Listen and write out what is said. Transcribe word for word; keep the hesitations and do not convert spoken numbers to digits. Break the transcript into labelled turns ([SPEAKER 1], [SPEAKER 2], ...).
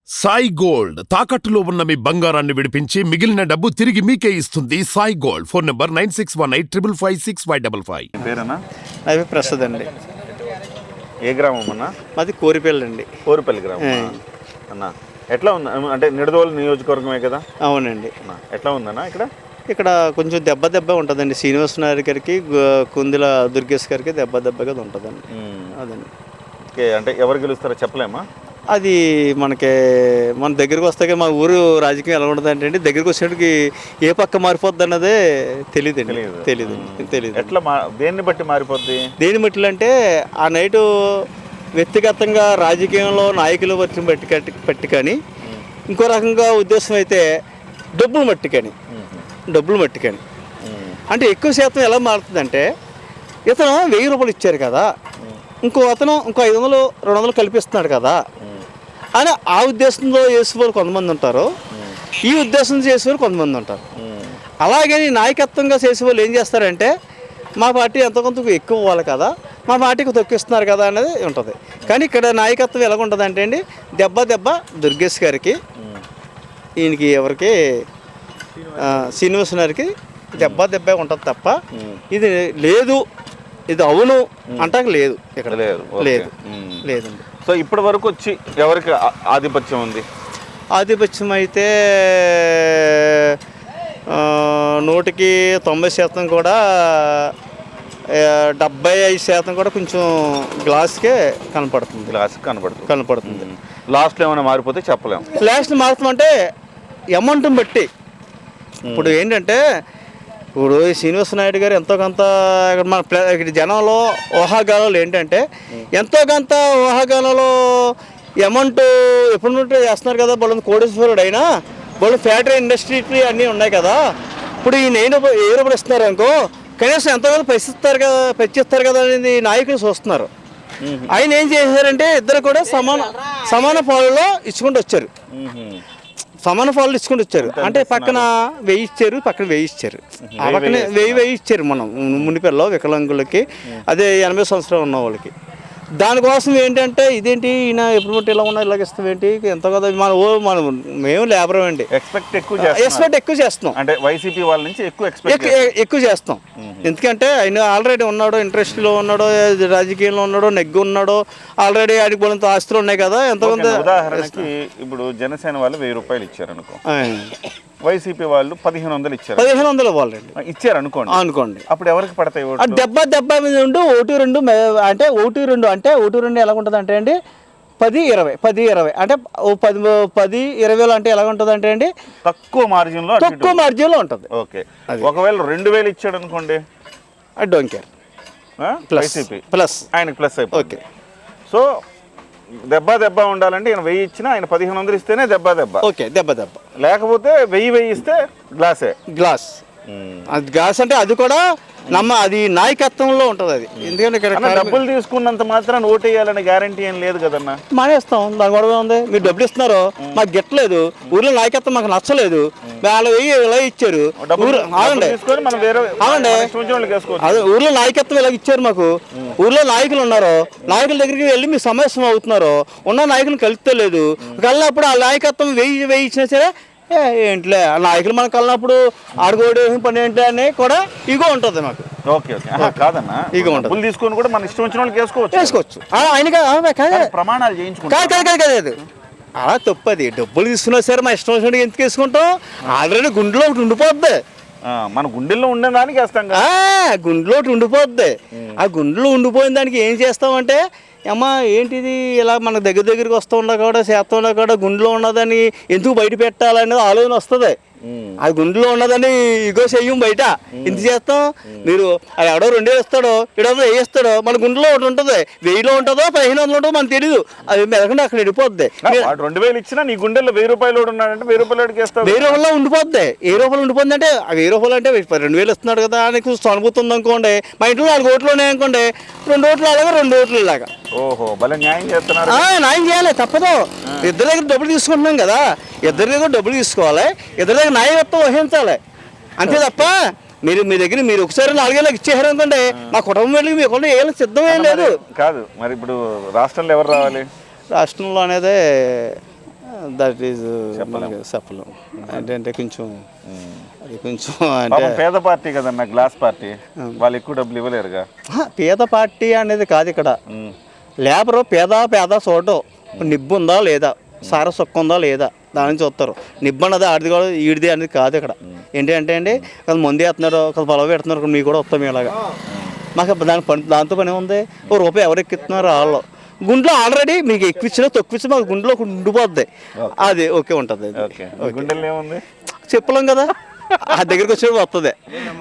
[SPEAKER 1] Sai gold తాకట్టులో ఉన్న మీ బంగారాన్ని విడిపించి మిగిలిన డబ్బు తిరిగి మీకే ఇస్తుంది Sai gold. Phone number nine six one eight triple five six five double five.
[SPEAKER 2] పేరేనా?
[SPEAKER 3] అవి ప్రసాద్ అండి.
[SPEAKER 2] ఏ గ్రామం అన్న?
[SPEAKER 3] మాది కోరిపల్లి అండి.
[SPEAKER 2] కోరిపల్లి గ్రామం అన్న. ఎట్లా ఉంది అంటే నిడదవోలు నియోజకవర్గమే కదా?
[SPEAKER 3] అవునండి.
[SPEAKER 2] ఎట్లా ఉందన్న ఇక్కడ?
[SPEAKER 3] ఇక్కడ కొంచెం దెబ్బ దెబ్బ ఉంటుందండి. శ్రీనివాస నాయుడు గారికి, కుందుల దుర్గేష్ గారికి దెబ్బ దెబ్బగా ఉంటుందండి. అదండి.
[SPEAKER 2] ఓకే, అంటే ఎవరు గెలుస్తారో చెప్పలేమా?
[SPEAKER 3] అది మనకి మన దగ్గరికి వస్తాక మా ఊరు రాజకీయం ఎలా ఉంటుంది అంటే అండి, దగ్గరికి వచ్చేటికి ఏ పక్క మారిపోద్ది అన్నదే తెలియదు అండి. తెలియదు తెలియదు
[SPEAKER 2] ఎట్లా దేన్ని బట్టి మారిపోద్ది?
[SPEAKER 3] దేని బట్టి అంటే ఆ నైటు వ్యక్తిగతంగా రాజకీయంలో నాయకులు బట్టి బట్టి కట్టి పెట్టి కానీ, ఇంకో రకంగా ఉద్దేశం అయితే డబ్బులు మట్టి కానీ డబ్బులు మట్టి కానీ అంటే ఎక్కువ శాతం ఎలా మారుతుందంటే, ఇతను వెయ్యి రూపాయలు ఇచ్చారు కదా, ఇంకో అతను ఇంకో ఐదు వందలు రెండు వందలు కల్పిస్తున్నాడు కదా అని ఆ ఉద్దేశంలో చేసేవారు కొంతమంది ఉంటారు, ఈ ఉద్దేశంతో చేసేవారు కొంతమంది ఉంటారు. అలాగే నాయకత్వంగా చేసేవాళ్ళు ఏం చేస్తారంటే, మా పార్టీ ఎంతో కొంత ఎక్కువ ఇవ్వాలి కదా, మా పార్టీకి తొక్కిస్తున్నారు కదా అనేది ఉంటుంది. కానీ ఇక్కడ నాయకత్వం ఎలాగ ఉంటుంది అంటే అండి, దెబ్బ దెబ్బ దుర్గేష్ గారికి, ఈయనకి ఎవరికి శ్రీనివాస గారికి దెబ్బ దెబ్బ ఉంటుంది తప్ప ఇది లేదు, ఇది అవును అంటాక లేదు, ఇక్కడ లేదు లేదు లేదండి.
[SPEAKER 2] సో ఇప్పటి వరకు వచ్చి ఎవరికి ఆధిపత్యం ఉంది?
[SPEAKER 3] ఆధిపత్యం అయితే నూటికి తొంభై శాతం కూడా, డెబ్బై ఐదు శాతం కూడా కొంచెం గ్లాస్కే కనపడుతుంది.
[SPEAKER 2] గ్లాస్ కనపడుతుంది
[SPEAKER 3] కనపడుతుంది
[SPEAKER 2] లాస్ట్లో ఏమైనా మారిపోతే చెప్పలేము.
[SPEAKER 3] లాస్ట్ మారుతామంటే అమౌంట్ని బట్టి. ఇప్పుడు ఏంటంటే, ఇప్పుడు శ్రీనివాస నాయుడు గారు ఎంతో కొంత ఇక్కడ మన ఇక్కడ జనంలో ఊహాగానాలు ఏంటంటే, ఎంతో కొంత ఊహాగానాలు అమౌంట్ ఎప్పుడు చేస్తున్నారు కదా, బోళ్ళ కోటేశ్వరుడు అయినా బోళ్ళ ఫ్యాక్టరీ ఇండస్ట్రీ అన్నీ ఉన్నాయి కదా, ఇప్పుడు ఈ నేను ఏ రూపాయలు ఇస్తున్నారు అనుకో, కనీసం ఎంతో కొంత పెంచిస్తారు కదా పెంచిస్తారు కదా అనేది నాయకులు చూస్తున్నారు. ఆయన ఏం చేశారంటే, ఇద్దరు కూడా సమాన సమాన పాలలో ఇచ్చుకుంటూ వచ్చారు. సమాన పాలు ఇచ్చుకుంటూ వచ్చారు అంటే, పక్కన వెయ్యి ఇచ్చారు, పక్కన వెయ్యి ఇచ్చారు, ఆ పక్కన వెయ్యి వెయ్యి ఇచ్చారు మనం మునిపెల్లో వికలాంగులకి, అదే ఎనభై సంవత్సరాలు ఉన్న వాళ్ళకి. దానికోసం ఏంటంటే, ఇదేంటి ఈయన ఎప్పుడు ఇలా ఉన్నా ఇలాగ ఇస్తాం ఏంటి, ఎంతో కదా మన ఓ మనం మేము లేబర్ అండి,
[SPEAKER 2] ఎక్స్పెక్ట్ ఎక్కువ
[SPEAKER 3] ఎక్స్పెక్ట్ ఎక్కువ చేస్తాం
[SPEAKER 2] అంటే వైసీపీ వాళ్ళ నుంచి ఎక్కువ ఎక్స్పెక్ట్
[SPEAKER 3] ఎక్కువ చేస్తాం. ఎందుకంటే ఆయన ఆల్రెడీ ఉన్నాడో, ఇంట్రెస్ట్లో ఉన్నాడో, రాజకీయంలో ఉన్నాడో, నెగ్గు ఉన్నాడో, ఆల్రెడీ ఆడికి పోలంత ఆస్తులు ఉన్నాయి కదా. ఎంతమంది
[SPEAKER 2] ఉదాహరణకి ఇప్పుడు జనసేన వాళ్ళు వెయ్యి రూపాయలు ఇచ్చారు అనుకో, వైసీపీ వాళ్ళు పదిహేను వందలు ఇచ్చారు.
[SPEAKER 3] పదిహేను వందలు ఇవ్వాలండి
[SPEAKER 2] ఇచ్చారు అనుకోండి అనుకోండి అప్పుడు ఎవరికి పడతాయి?
[SPEAKER 3] దెబ్బ దెబ్బ మీద ఉండి ఒకటి రెండు అంటే ఒకటి రెండు అంటే ఒకటి రెండు ఎలా ఉంటుంది అంటే అండి, పది ఇరవై పది ఇరవై అంటే ఓ పది పది ఇరవై వేలు అంటే ఎలా ఉంటుంది అంటే అండి,
[SPEAKER 2] తక్కువ మార్జిన్ లో
[SPEAKER 3] తక్కువ మార్జిన్ లో ఉంటుంది.
[SPEAKER 2] ఓకే, ఒకవేళ రెండు వేలు ఇచ్చాడు అనుకోండి,
[SPEAKER 3] I don't care,
[SPEAKER 2] YCP
[SPEAKER 3] plus
[SPEAKER 2] ఆయనకి ప్లస్ అయిపోతుంది.
[SPEAKER 3] ఓకే,
[SPEAKER 2] సో దెబ్బ దెబ్బ ఉండాలంటే ఆయన వెయ్యి ఇచ్చినా ఆయన పదిహేను వందలు ఇస్తేనే దెబ్బ దెబ్బ.
[SPEAKER 3] ఓకే, దెబ్బ దెబ్బ.
[SPEAKER 2] లేకపోతే వెయ్యి వెయ్యి ఇస్తే గ్లాసే గ్లాస్.
[SPEAKER 3] అది గ్లాస్ అంటే అది కూడా నమ్మ అది నాయకత్వంలో ఉంటుంది అది. ఎందుకంటే ఇక్కడ
[SPEAKER 2] డబ్బులు తీసుకున్నంత మాత్రం ఓటు వేయాలని గ్యారంటీ ఏం లేదు కదన్నా.
[SPEAKER 3] మానేస్తాం, దాని గొడవ ఉంది. మీరు డబ్బులు ఇస్తున్నారు, మాకు గిట్టలేదు, ఊర్లో నాయకత్వం మాకు నచ్చలేదు, వాళ్ళు వెయ్యి ఇలా ఇచ్చారు,
[SPEAKER 2] అవునండి
[SPEAKER 3] అదే ఊర్లో నాయకత్వం ఇలా ఇచ్చారు మాకు, ఊర్లో నాయకులు ఉన్నారు, నాయకుల దగ్గరికి వెళ్ళి మీ సమస్య అవుతున్నారు, ఉన్న నాయకులు కలుపుతలేదు, కలిగినప్పుడు ఆ నాయకత్వం వెయ్యి వెయ్యి ఇచ్చినా సరే ఏంటిలే, ఆ నాయకులు మనకు కలిగినప్పుడు ఆడుకోవడే పని ఏంటి అని కూడా ఇగో ఉంటుంది మాకు.
[SPEAKER 2] ఓకే ఓకే, కాదన్నా ఇగో ఉంటుంది, తీసుకొని కూడా మన ఇష్టం వచ్చిన వాళ్ళకి వేసుకోవచ్చు
[SPEAKER 3] వేసుకోవచ్చు. ఆయన
[SPEAKER 2] ప్రమాణాలు చేయించుకుంటారు
[SPEAKER 3] కాదు కాదు కాదు కాదు అలా తప్పది. డబ్బులు తీసుకున్నా సరే మా ఇష్టం వచ్చినట్టు ఎందుకు వేసుకుంటాం, ఆల్రెడీ గుండెలో ఒకటి ఉండిపోద్ది,
[SPEAKER 2] మన గుండెల్లో ఉండే దానికి వేస్తాం కదా,
[SPEAKER 3] గుండెలో ఒకటి ఉండిపోద్ది. ఆ గుండెలో ఉండిపోయిన దానికి ఏం చేస్తామంటే, అమ్మా ఏంటిది ఇలా మన దగ్గర దగ్గరికి వస్తూ ఉన్నా కూడా చేస్తూ ఉన్నా కూడా గుండెలో ఉన్నదని ఎందుకు బయట పెట్టాలనేది ఆలోచన వస్తుంది. అది గుండెలో ఉన్నదని ఇగో చెయ్యం బయట ఎంత చేస్తాం. మీరు అది ఎవడో రెండే ఇస్తాడో ఇడో వేయిస్తాడో, మన గుండెలో ఒకటి ఉంటుంది, వెయ్యిలో ఉంటుందో పదిహేను వందలు ఉంటుందో మనకు తెలియదు, అది మెదకుండా అక్కడ వెళ్ళిపోద్ది.
[SPEAKER 2] రెండు వేలు ఇచ్చినా నీ గుండెల్లో వెయ్యి రూపాయలు ఉన్నాడంటే వెయ్యి రూపాయలు
[SPEAKER 3] వెయ్యి రూపాయలు ఉండిపోద్ది. ఏ రూపాయలు ఉండిపోద్ది అంటే ఆ వెయ్యి రూపాయలు అంటే రెండు వేలు ఇస్తున్నాడు కదా అని అనుభూతి ఉంది అనుకోండి. మా ఇంట్లో నాలుగు ఓట్లు ఉన్నాయి అనుకోండి, రెండు ఓట్లు అలాగా రెండు ఓట్లు ఇలాగా.
[SPEAKER 2] ఓహో, భలే న్యాయం చేస్తున్నారు.
[SPEAKER 3] న్యాయం చేయాలి, తప్పదు. ఇద్దరి దగ్గర డబ్బులు తీసుకుంటున్నాం కదా, ఇద్దరి దగ్గర డబ్బులు తీసుకోవాలి, ఇద్దరి దగ్గర న్యాయత్వం వహించాలి, అంతే తప్ప మీరు మీ దగ్గర మీరు ఒకసారి నాలుగేళ్ళకి ఇచ్చేసారు అనుకోండి, మా కుటుంబం వెళ్ళి మీ కూడా ఏం సిద్ధం ఏం లేదు
[SPEAKER 2] కాదు. మరి ఇప్పుడు రాష్ట్రంలో ఎవరు రావాలి?
[SPEAKER 3] రాష్ట్రంలో అనేది దట్ ఈజ్ మనకి చెప్పలేం ఏంటంటే కొంచెం అది కొంచెం అంటే
[SPEAKER 2] పాపం పేద పార్టీ కదన్న గ్లాస్ పార్టీ, వాళ్ళు ఎక్కువ డబ్బులు ఇవ్వలేరుగా.
[SPEAKER 3] ఆ, పేద పార్టీ అనేది కాదు ఇక్కడ.
[SPEAKER 2] ఉమ్.
[SPEAKER 3] లేబరు పేద పేద చూడటం నిబ్బు ఉందా లేదా, సార సొక్క ఉందా లేదా దాని నుంచి చూస్తారు. నిబ్బు అన్నది ఆడిది కూడా ఈడిది అనేది కాదు ఇక్కడ. ఏంటి అంటే అండి కొంత మంది వేస్తున్నారు, కొంత పొలం పెడుతున్నారు, మీకు కూడా వస్తాం ఇలాగా. మాకు దాని పని దాంతో పని ఉంది. ఓ రూపాయి ఎవరు ఎక్కిస్తున్నారు వాళ్ళు గుండెలో ఆల్రెడీ మీకు ఎక్కిచ్చినా తొక్కిచ్చినా మాకు గుండెలో ఉండిపోద్ది. అది ఓకే ఉంటుంది.
[SPEAKER 2] ఓకే, గుండెల్లో ఏముంది
[SPEAKER 3] చెప్పలేం కదా, ఆ దగ్గరికి వచ్చేప్పుడు వస్తుంది.